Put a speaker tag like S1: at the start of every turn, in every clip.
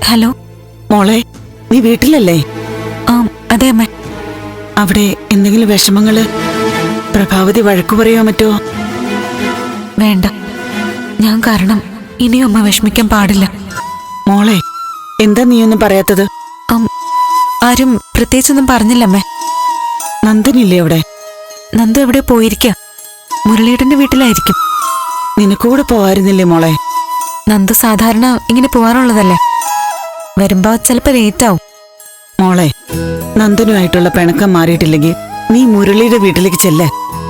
S1: Hello
S2: മോളെ, നീ വീട്ടിലല്ലേ?
S1: ആ അതെ അമ്മ.
S2: അവിടെ എന്തെങ്കിലും വിഷമങ്ങള്? പ്രഭാവതി വഴക്കു പറയോ മറ്റോ?
S1: വേണ്ട, ഞാൻ കാരണം ഇനിയും അമ്മ വിഷമിക്കാൻ പാടില്ല.
S2: മോളെ, എന്താ നീയൊന്നും പറയാത്തത്?
S1: ആരും പ്രത്യേകിച്ചൊന്നും പറഞ്ഞില്ലമ്മേ.
S2: നന്ദനില്ലേ അവിടെ?
S1: നന്ദു എവിടെ പോയിരിക്ക? മുരളിയേട്ടന്റെ വീട്ടിലായിരിക്കും.
S2: നിനക്കൂടെ പോവായിരുന്നില്ലേ മോളെ?
S1: നന്ദു സാധാരണ ഇങ്ങനെ പോവാറുള്ളതല്ലേ. വരുമ്പോ ചിലപ്പോ ലേറ്റ് ആവും.
S2: മോളെ, നന്ദനുമായിട്ടുള്ള പിണക്കം മാറിയിട്ടില്ലെങ്കിൽ നീ മുരളിയുടെ വീട്ടിലേക്ക് ചെല്ലേ.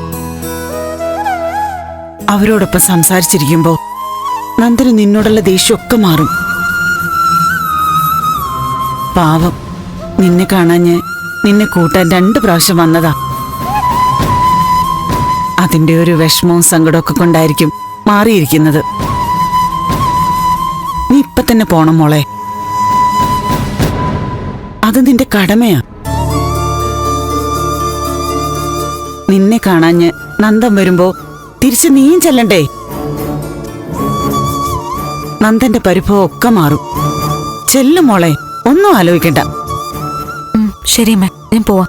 S2: അവരോടൊപ്പം സംസാരിച്ചിരിക്കുമ്പോ നന്ദന് നിന്നോടുള്ള ദേഷ്യമൊക്കെ മാറും. പാവം, നിന്നെ കാണാഞ്ഞ് നിന്നെ കൂട്ടാൻ 2 പ്രാവശ്യം വന്നതാ. അതിന്റെ ഒരു വിഷമവും സങ്കടമൊക്കെ കൊണ്ടായിരിക്കും മാറിയിരിക്കുന്നത്. നീ ഇപ്പൊ തന്നെ പോണം മോളെ. അത് നിന്റെ കടമയാ. നിന്നെ കാണാഞ്ഞ് നന്ദൻ വരുമ്പോ തിരിച്ച് നീയും ചെല്ലണ്ടേ? നന്ദന്റെ പരിഭവം ഒക്കെ മാറും. ചെല്ലും മോളെ, ഒന്നും ആലോചിക്കണ്ട.
S1: ശരി അമ്മ, ഞാൻ പോവാ.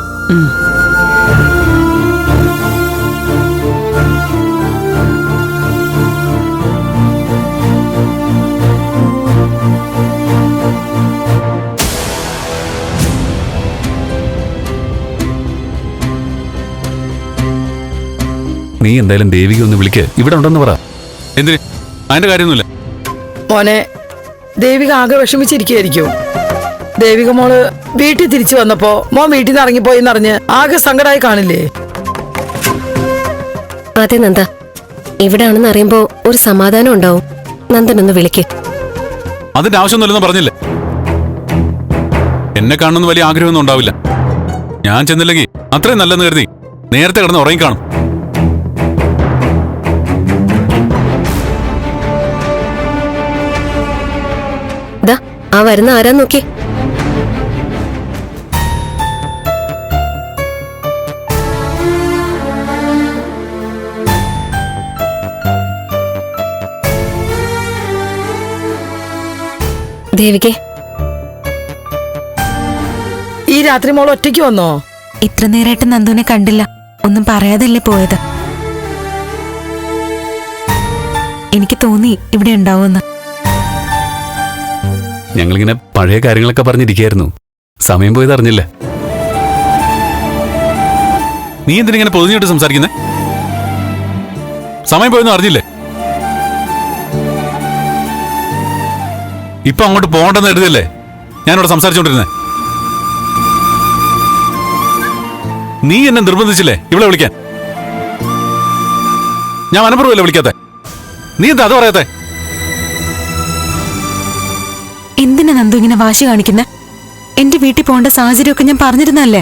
S3: നീ എന്തായാലും ദേവിക ഒന്ന് വിളിക്ക്, ഇവിടെ ഉണ്ടെന്ന് പറ. എന്തിന്? അതിന്റെ കാര്യമൊന്നുമില്ല
S4: മോനെ. ദേവിക ആകെ വിഷമിച്ചിരിക്കുകയായിരിക്കും. ദേവിക മോള് വീട്ടിൽ തിരിച്ചു വന്നപ്പോ മോൻ വീട്ടിൽ നിന്ന് ഇറങ്ങിപ്പോയെന്നറിഞ്ഞ് ആകെ സങ്കടമായി കാണില്ലേ?
S5: അതെ നന്ദ, ഇവിടാണെന്ന് അറിയുമ്പോ ഒരു സമാധാനം ഉണ്ടാവും. നന്ദനൊന്ന് വിളിക്ക്.
S3: അതിന്റെ ആവശ്യമൊന്നുമില്ലെന്ന് പറഞ്ഞില്ലേ? എന്നെ കാണുന്ന വലിയ ആഗ്രഹമൊന്നും ഉണ്ടാവില്ല. ഞാൻ ചെന്നില്ലെങ്കിൽ അത്രയും നല്ലെന്ന് കരുതി നേരത്തെ കിടന്ന് ഉറങ്ങിക്കാണും.
S5: ആ വരുന്ന ആരാ നോക്കി. ദേവികേ,
S4: ഈ രാത്രി മോൾ ഒറ്റയ്ക്ക് വന്നോ?
S1: ഇത്ര നേരമായിട്ട് നന്ദുവിനെ കണ്ടില്ല. ഒന്നും പറയാതല്ലേ പോയത്. എനിക്ക് തോന്നി ഇവിടെ ഉണ്ടാവുമെന്ന്.
S3: ഞങ്ങളിങ്ങനെ പഴയ കാര്യങ്ങളൊക്കെ പറഞ്ഞിരിക്കായിരുന്നു. സമയം പോയത് അറിഞ്ഞില്ല. നീ എന്തിനിങ്ങനെ പൊതിഞ്ഞിട്ട് സംസാരിക്കുന്നേ? സമയം പോയെന്ന് അറിഞ്ഞില്ലേ? ഇപ്പൊ അങ്ങോട്ട് പോകണ്ടെന്ന് എഴുതിയല്ലേ ഞാനിവിടെ സംസാരിച്ചോണ്ടിരുന്നേ. നീ എന്നെ നിർബന്ധിച്ചില്ലേ ഇവിടെ വിളിക്കാൻ? ഞാൻ മനഃപൂർവ്വമല്ലേ വിളിക്കാത്തെ? നീ എന്താ അത് പറയാത്തെ?
S1: എന്തിനാ നന്ദു ഇങ്ങനെ വാശി കാണിക്കുന്നെ? എന്റെ വീട്ടിൽ പോകേണ്ട സാഹചര്യമൊക്കെ ഞാൻ പറഞ്ഞിരുന്നല്ലേ.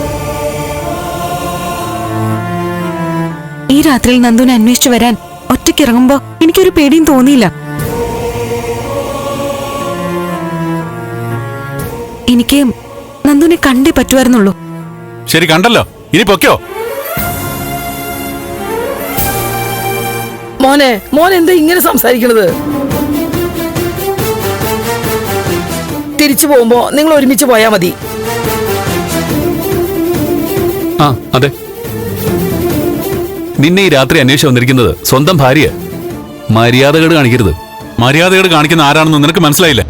S1: ഈ രാത്രിയിൽ നന്ദുവിനെ അന്വേഷിച്ചു വരാൻ ഒറ്റയ്ക്ക് ഇറങ്ങുമ്പോ എനിക്കൊരു പേടിയും തോന്നിയില്ല. എനിക്ക് നന്ദുവിനെ കണ്ടേ പറ്റുമായിരുന്നുള്ളൂ.
S3: ശരി, കണ്ടല്ലോ, ഇനി പൊക്കോ.
S4: മോൻ എന്താ ഇങ്ങനെ സംസാരിക്കണത്? തിരിച്ചു പോകുമ്പോ നിങ്ങൾ ഒരുമിച്ച് പോയാ മതി.
S3: ആ അതെ, നിന്നെ ഈ രാത്രി അന്വേഷിച്ച് വന്നിരിക്കുന്നത് സ്വന്തം ഭാര്യ. മര്യാദകേട് കാണിക്കരുത്. മര്യാദകേട് കാണിക്കുന്ന ആരാണെന്ന് നിനക്ക് മനസ്സിലായില്ലേ?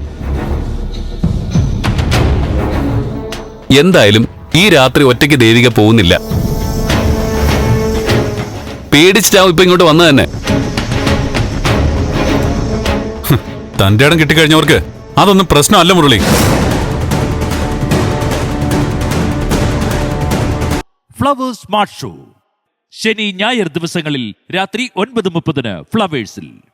S3: എന്തായാലും ഈ രാത്രി ഒറ്റയ്ക്ക് ദേവിക പോകുന്നില്ല. പേടിച്ചിട്ടാവും ഇപ്പൊ ഇങ്ങോട്ട് വന്നത് തന്നെ. തന്റെ ഇടം കിട്ടിക്കഴിഞ്ഞവർക്ക് അതൊന്നും പ്രശ്നമല്ല മുരളി.
S6: ഫ്ലവേഴ്സ് സ്മാർട്ട് ഷോ ശനി ഞായർ ദിവസങ്ങളിൽ രാത്രി 9:30 ഫ്ലവേഴ്സിൽ.